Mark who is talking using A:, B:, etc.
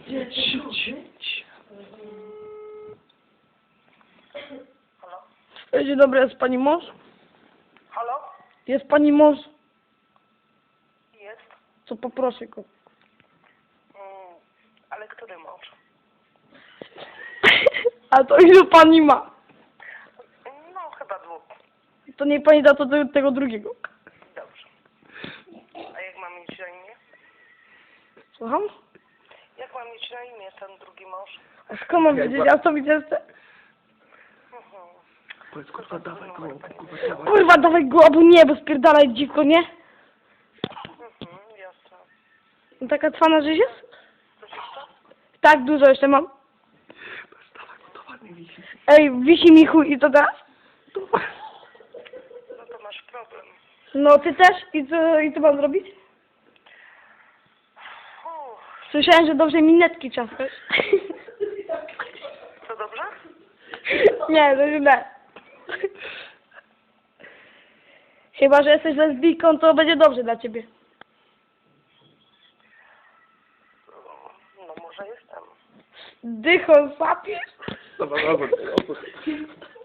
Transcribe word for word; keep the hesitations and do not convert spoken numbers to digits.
A: dziesięć.
B: Halo?
A: Dzień dobry, jest pani mąż?
B: Halo?
A: Jest pani mąż?
B: Jest?
A: Co poproszę go.
B: Mm, ale który mąż?
A: A to ilu pani ma?
B: No, chyba dwóch.
A: To niech pani da to do tego drugiego.
B: Dobrze. A jak mam mieć na imię?
A: Słucham?
B: Jak mam mieć na imię ten drugi mąż?
A: A skąd mam wiedzieć? Ja to widzę.
B: Mhm.
C: Powiedz, kurwa, dawaj go, kurwa, dawaj.
A: Kurwa, dawaj go, albo nie, bo spierdalaj dziwko, nie?
B: Mhm, jasne.
A: No taka cwana żyć jest?
B: Coś jeszcze?
A: Tak, dużo jeszcze mam.
C: Dawaj go, to ładnie wisi.
A: Ej, wisi mi chuj i to teraz?
B: No to masz problem.
A: No, ty też? I co, i co mam zrobić?
B: Uff,
A: Słyszałem, że dobrze minetki czaskasz.
B: to dobrze?
A: Nie, to źle. Chyba, że jesteś lesbijką, to będzie dobrze dla ciebie.
B: No może jestem.
A: Dychą sapiesz?
C: Dobra, dobra, dobra.